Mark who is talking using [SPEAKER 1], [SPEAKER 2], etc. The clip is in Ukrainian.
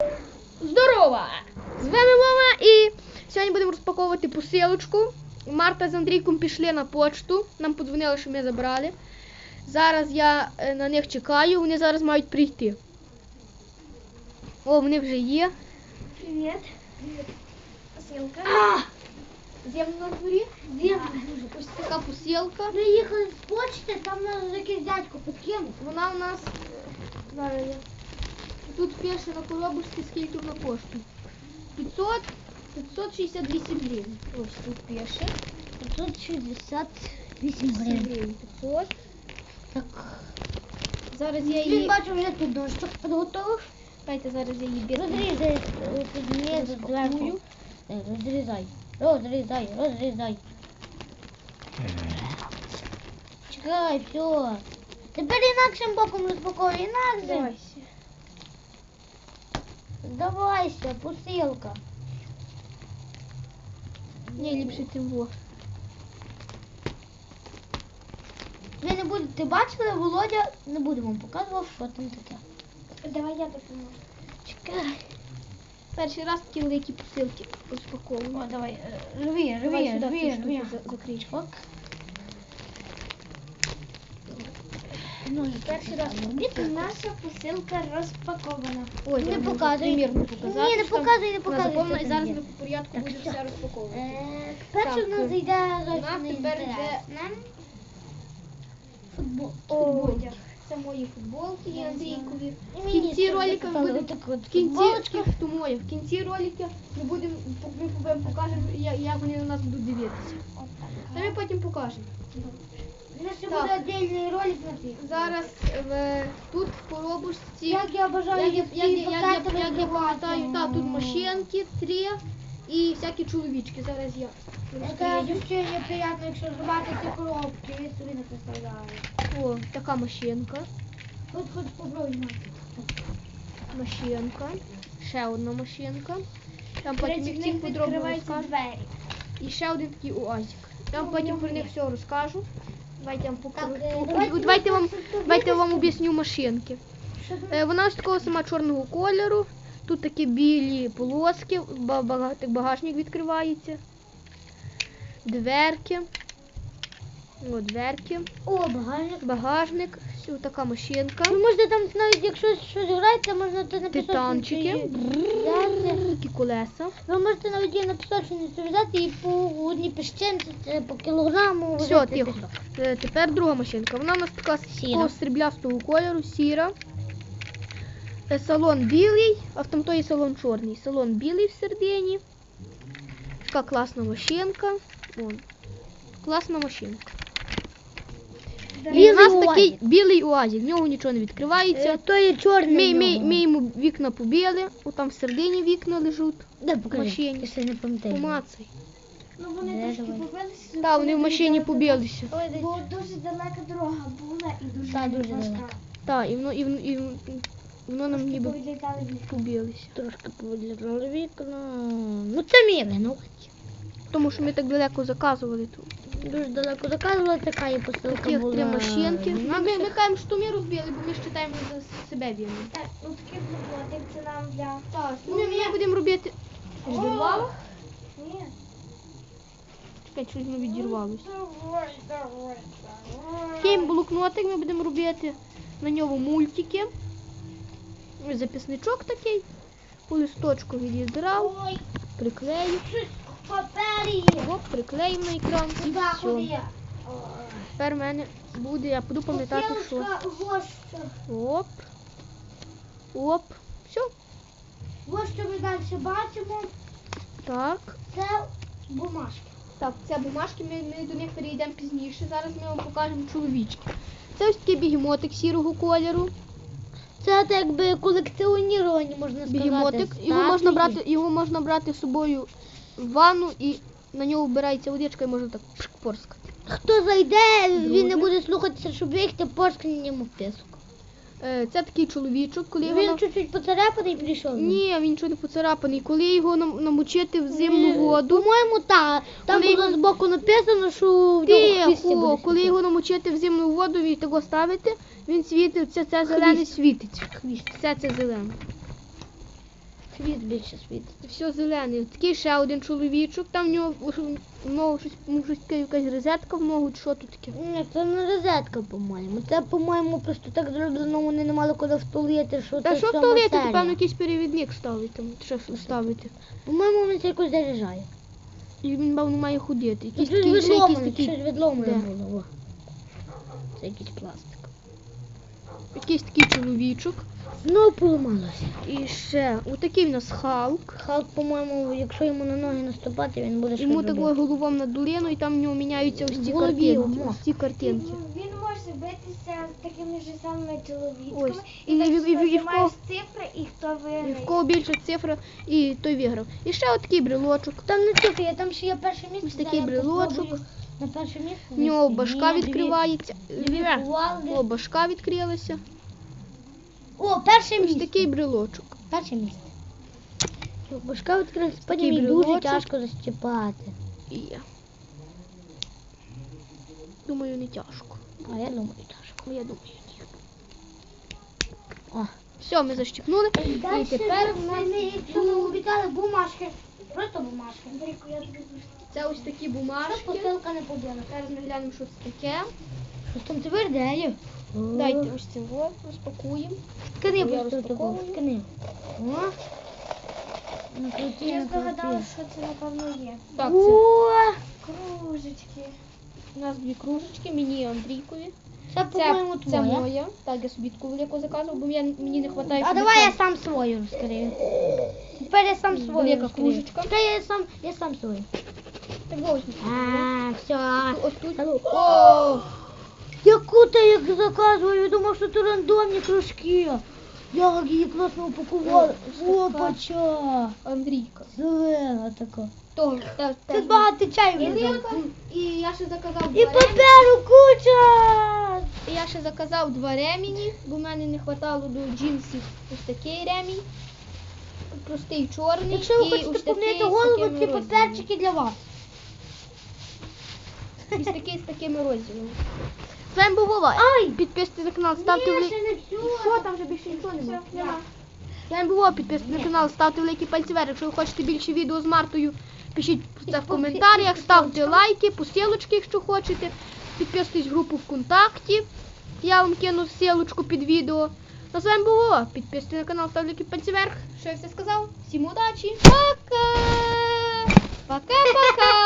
[SPEAKER 1] Здорово! З вами Вова і сьогодні будемо розпаковувати посилочку. Марта з Андрійком пішли на почту, нам подзвонили, що ми забрали. Зараз я на них чекаю, вони зараз мають прийти. О, вони вже є.
[SPEAKER 2] Привіт. Посилка.
[SPEAKER 1] Земно на дворі?
[SPEAKER 2] Земно.
[SPEAKER 1] Ось така посилка.
[SPEAKER 2] Приїхали з почти, там нас якийсь дядько підкинув.
[SPEAKER 1] Вона у нас... Зараз я... Тут пише на коробочці, скільки на пошту. 568 гривень. Ось тут пише.
[SPEAKER 2] 568 гривень.
[SPEAKER 1] 500.
[SPEAKER 2] Так.
[SPEAKER 1] Зараз я
[SPEAKER 2] Він
[SPEAKER 1] її...
[SPEAKER 2] бачу, вже тут дощок підготовив.
[SPEAKER 1] Дайте зараз я її
[SPEAKER 2] Розрізай, підніє зверху. Розрізай. Розрізай. Чекай, все. Тепер інакшим боком розпаковуй, інакшим.
[SPEAKER 1] Давайся.
[SPEAKER 2] Здавайся, посилка.
[SPEAKER 1] Ні, ліпше тим во.
[SPEAKER 2] Ви не будете бачили, Володя не буде вам показувати, що там таке.
[SPEAKER 1] Давай я допоможу.
[SPEAKER 2] Чекай.
[SPEAKER 1] Перший раз такі великі посилки розпаковую.
[SPEAKER 2] О, давай, рви.
[SPEAKER 1] Закрий.
[SPEAKER 2] Ок.
[SPEAKER 1] Перший раз.
[SPEAKER 2] Наша посилка розпакована.
[SPEAKER 1] Ой,
[SPEAKER 2] Не
[SPEAKER 1] я можу
[SPEAKER 2] показуй.
[SPEAKER 1] примірно показати.
[SPEAKER 2] Ні, не
[SPEAKER 1] що там
[SPEAKER 2] показуй, не
[SPEAKER 1] вона
[SPEAKER 2] показуй,
[SPEAKER 1] заповнена,
[SPEAKER 2] що
[SPEAKER 1] і
[SPEAKER 2] там
[SPEAKER 1] зараз
[SPEAKER 2] є.
[SPEAKER 1] ми по порядку
[SPEAKER 2] Так,
[SPEAKER 1] будемо
[SPEAKER 2] все.
[SPEAKER 1] все розпаковувати.
[SPEAKER 2] Перше
[SPEAKER 1] Так,
[SPEAKER 2] в нас йде
[SPEAKER 1] у нас тепер йде
[SPEAKER 2] футбол.
[SPEAKER 1] одяг. Це мої футболки і Андрійкові.
[SPEAKER 2] І
[SPEAKER 1] В
[SPEAKER 2] мені
[SPEAKER 1] кінці
[SPEAKER 2] ще
[SPEAKER 1] ролика
[SPEAKER 2] запитали
[SPEAKER 1] будемо...
[SPEAKER 2] отаку от
[SPEAKER 1] В кінці...
[SPEAKER 2] футболочку.
[SPEAKER 1] То моє. В кінці ролика ми вам покажемо, як вони на нас будуть дивитися. Та ми потім покажемо.
[SPEAKER 2] У нас ще
[SPEAKER 1] Так.
[SPEAKER 2] буде окремий ролик на цій.
[SPEAKER 1] Зараз тут в коробочці...
[SPEAKER 2] Як я бажаю,
[SPEAKER 1] Як я пам'ятаю,
[SPEAKER 2] так,
[SPEAKER 1] тут машинки 3 і всякі чоловічки. Зараз я
[SPEAKER 2] Таке
[SPEAKER 1] розкрию.
[SPEAKER 2] ощущення приємно, якщо зривати ці коробки, ви собі не представляєте.
[SPEAKER 1] О, така машинка.
[SPEAKER 2] Хоч попробуй.
[SPEAKER 1] Машинка. Ще одна машинка. Там потім їх всіх подробно розкажу.
[SPEAKER 2] двері.
[SPEAKER 1] І ще один такий уазик. Я вам потім про них все розкажу. Давайте я вам покажу.
[SPEAKER 2] Так,
[SPEAKER 1] Давайте я вам об'ясню машинки. Вона ось такого сама чорного кольору. Тут такі білі полоски, багажник відкривається. Дверки. О, дверки.
[SPEAKER 2] О, багажник.
[SPEAKER 1] Багажник. Ось така машинка.
[SPEAKER 2] Ви можете там навіть, якщо щось грається, можна то на
[SPEAKER 1] Титанчики. Такі колеса.
[SPEAKER 2] Ви можете навіть її на пісочницю взяти і по одній піщинці, по кілограму.
[SPEAKER 1] Все,
[SPEAKER 2] возити
[SPEAKER 1] тихо.
[SPEAKER 2] пісок.
[SPEAKER 1] Тепер друга машинка. Вона у нас така такого сріблястого кольору, сіра. Салон білий, а в тамтої салон чорний. Салон білий всередині. Така класна машинка. Вон. Класна машинка. І у нас такий білий уазик, в нього нічого не відкривається.
[SPEAKER 2] То є чорний.
[SPEAKER 1] Ми йому вікна побили, там всередині вікна лежуть.
[SPEAKER 2] Де покажи?
[SPEAKER 1] машині.
[SPEAKER 2] Я ще не пам'ятаю.
[SPEAKER 1] Помацай.
[SPEAKER 2] Ну вони трошки побилися.
[SPEAKER 1] Так, вони в машині побилися.
[SPEAKER 2] Бо дуже далека дорога була і дуже важка.
[SPEAKER 1] Так, і воно нам ніби
[SPEAKER 2] Повідлітали вікна.
[SPEAKER 1] побилися.
[SPEAKER 2] Трошки повідлітали вікна. Ну це мій винуват.
[SPEAKER 1] Тому що ми так далеко заказували тут.
[SPEAKER 2] Дуже далеко заказувала, така і посилка
[SPEAKER 1] Таких
[SPEAKER 2] була.
[SPEAKER 1] 3 машинки.
[SPEAKER 2] Інакше.
[SPEAKER 1] Ми кажемо, що ми розбили, бо ми вважаємо за себе вільні.
[SPEAKER 2] Так, ну такий футболик, це нам для...
[SPEAKER 1] Так, ми будемо робити... Відірвало?
[SPEAKER 2] Ні.
[SPEAKER 1] Чекай, щось воно відірвалося.
[SPEAKER 2] Давай.
[SPEAKER 1] Такий блокнотик ми будемо робити. На ньому мультики. Ось записничок такий. По листочку відідрав.
[SPEAKER 2] Ой,
[SPEAKER 1] Приклею.
[SPEAKER 2] в папері.
[SPEAKER 1] Оп, приклеїмо на екран і
[SPEAKER 2] Сюди
[SPEAKER 1] все.
[SPEAKER 2] ходи.
[SPEAKER 1] Тепер в мене буде, я буду пам'ятати, що.
[SPEAKER 2] Посилочка, ось.
[SPEAKER 1] Оп. Оп. Все.
[SPEAKER 2] Ось що ми далі бачимо.
[SPEAKER 1] Так.
[SPEAKER 2] Це бумажки.
[SPEAKER 1] Так, це бумажки, ми до них перейдемо пізніше. Зараз ми вам покажемо чоловічки. Це ось такий бігемотик сірого кольору.
[SPEAKER 2] Це так би колекціоніровані, можна сказати.
[SPEAKER 1] Бігемотик. Його можна брати з собою в ванну і на нього вбирається водичка і можна так порскати.
[SPEAKER 2] Хто зайде, він не
[SPEAKER 1] Друже.
[SPEAKER 2] буде слухатися, щоб бігти порскнення йому в писок.
[SPEAKER 1] Це такий чоловічок, коли
[SPEAKER 2] Він
[SPEAKER 1] його...
[SPEAKER 2] чуть-чуть поцарапаний і прийшов.
[SPEAKER 1] Ні, він нічого не поцарапаний. Коли його намочити в зимну воду...
[SPEAKER 2] По-моєму, так. Там
[SPEAKER 1] Коли
[SPEAKER 2] було
[SPEAKER 1] його-
[SPEAKER 2] збоку написано, що в нього хвісті
[SPEAKER 1] Тихо,
[SPEAKER 2] буде
[SPEAKER 1] коли
[SPEAKER 2] світити.
[SPEAKER 1] його намочити в зимну воду і того ставити, він світить, це зелене світить.
[SPEAKER 2] Хвіст.
[SPEAKER 1] Все це зелене.
[SPEAKER 2] Світ більше світить.
[SPEAKER 1] Все зелене. Такий ще один чоловічок, там в нього в ногу щось таке, якась розетка в ногу, чи що тут таке?
[SPEAKER 2] Ні, це не розетка, по-моєму. Це, по-моєму, просто так зроблено, вони не мали куди втулити, що
[SPEAKER 1] Та
[SPEAKER 2] це
[SPEAKER 1] що в
[SPEAKER 2] сьома
[SPEAKER 1] туалеті,
[SPEAKER 2] серія.
[SPEAKER 1] то певно якийсь перевідник ставить там, що ставити.
[SPEAKER 2] По-моєму, він це якось заряджає.
[SPEAKER 1] І він, певно, має ходити.
[SPEAKER 2] Щось
[SPEAKER 1] Якийсь такий, ще якийсь
[SPEAKER 2] відломане,
[SPEAKER 1] такий,
[SPEAKER 2] щось відломане
[SPEAKER 1] Де?
[SPEAKER 2] було. О. Це якийсь пластик.
[SPEAKER 1] якийсь такий чоловічок.
[SPEAKER 2] Знову поламалося.
[SPEAKER 1] І ще, отакий в нас Халк.
[SPEAKER 2] Халк, по-моєму, якщо йому на ноги наступати, він буде щось
[SPEAKER 1] Йому
[SPEAKER 2] робити.
[SPEAKER 1] такою головом на долину, і там в нього міняються ось ці
[SPEAKER 2] В голові
[SPEAKER 1] картинки.
[SPEAKER 2] йому.
[SPEAKER 1] Ось ці картинки.
[SPEAKER 3] Він може битися з такими ж самими чоловіками.
[SPEAKER 1] Ось.
[SPEAKER 3] І
[SPEAKER 1] І
[SPEAKER 3] так
[SPEAKER 1] в
[SPEAKER 3] знімаєш
[SPEAKER 1] кого-
[SPEAKER 3] цифри, і хто
[SPEAKER 1] І
[SPEAKER 3] виграє.
[SPEAKER 1] в кого більша цифра, і той виграв. І ще отакий брелочок.
[SPEAKER 2] Там не тільки, там ще є перше місце.
[SPEAKER 1] Ось такий
[SPEAKER 2] зараз я
[SPEAKER 1] брелочок.
[SPEAKER 2] попробую На перше місце.
[SPEAKER 1] В нього
[SPEAKER 2] вийти.
[SPEAKER 1] башка
[SPEAKER 2] Ні,
[SPEAKER 1] відкривається.
[SPEAKER 2] Дві кувалди.
[SPEAKER 1] О, башка відкрилася.
[SPEAKER 2] О, перше
[SPEAKER 1] Ось
[SPEAKER 2] місце.
[SPEAKER 1] такий брелочок.
[SPEAKER 2] Перше місце. Башка відкрилась, потім
[SPEAKER 1] Такий
[SPEAKER 2] її дуже
[SPEAKER 1] брелочок.
[SPEAKER 2] тяжко защіпати.
[SPEAKER 1] І я. Думаю, не тяжко.
[SPEAKER 2] А я думаю, тяжко.
[SPEAKER 1] Я думаю, ні.
[SPEAKER 2] О.
[SPEAKER 1] Все, ми защипнули. І тепер в нас
[SPEAKER 2] якщо ми обіцяли бумажки, просто бумажки.
[SPEAKER 1] це ось такі
[SPEAKER 2] Щоб
[SPEAKER 1] бумажки.
[SPEAKER 2] посилка не побила.
[SPEAKER 1] Зараз ми глянемо, що це таке.
[SPEAKER 2] Щось там тверде.
[SPEAKER 1] Дайте ось це вот, розпакуємо.
[SPEAKER 2] Скини
[SPEAKER 1] Я
[SPEAKER 2] просто таку.
[SPEAKER 1] розпаковую.
[SPEAKER 2] Скини. О. Накрути,
[SPEAKER 3] Я
[SPEAKER 2] накрути.
[SPEAKER 3] здогадалася, що це напевно є.
[SPEAKER 1] Так, це
[SPEAKER 2] О,
[SPEAKER 3] Кружечки.
[SPEAKER 1] у нас дві кружечки, мені і Андрійкові.
[SPEAKER 2] це, по-моєму,
[SPEAKER 1] Це
[SPEAKER 2] твоя.
[SPEAKER 1] моя. Так, я собі таку велику заказував, бо мені не вистачає.
[SPEAKER 2] А давай я сам свою розкрию. Тепер я сам свою
[SPEAKER 1] Велика
[SPEAKER 2] розкрию.
[SPEAKER 1] кружечка.
[SPEAKER 2] Чекай, я сам свою.
[SPEAKER 1] Так, ось.
[SPEAKER 2] Все.
[SPEAKER 1] Ось тут. О!
[SPEAKER 2] Яку ти як заказував? Я думав, що це рандомні кружки. Як її класно упакували.
[SPEAKER 1] О,
[SPEAKER 2] Опача.
[SPEAKER 1] Андрійка.
[SPEAKER 2] Зелена така.
[SPEAKER 1] Того,
[SPEAKER 2] Тут багато чаю
[SPEAKER 1] І
[SPEAKER 2] влізає.
[SPEAKER 1] рибка, і я ще заказав
[SPEAKER 2] І
[SPEAKER 1] два ремені.
[SPEAKER 2] паперу куча.
[SPEAKER 1] І я ще заказав два ремені, бо в мене не вистачало до джинсів ось такий ремінь. Простий чорний.
[SPEAKER 2] Якщо ви
[SPEAKER 1] і
[SPEAKER 2] хочете
[SPEAKER 1] ось такий
[SPEAKER 2] помити
[SPEAKER 1] з
[SPEAKER 2] голову,
[SPEAKER 1] такими
[SPEAKER 2] ці
[SPEAKER 1] розділами.
[SPEAKER 2] паперчики для вас.
[SPEAKER 1] І з такими розділами. З вами був Вова. Підписуйтесь на канал, ставте
[SPEAKER 2] Ні,
[SPEAKER 1] великі.
[SPEAKER 2] ще не всю.
[SPEAKER 1] Що там вже більше нічого немає?
[SPEAKER 3] Все, нема.
[SPEAKER 1] З вами був Вова, підписуйтесь на канал, ставте великі пальці вверх. Якщо ви хочете більше відео з Мартою, пишіть це в коментарях, ставте лайки, посилочки, якщо хочете. Підписуйтесь в групу ВКонтакті. Я вам кину ссылочку під відео. Ну, з вами був Вова. Підписуйтесь на канал, ставте великі пальці вверх. Що я все сказав? Всім удачі. Пока! Пока-пока!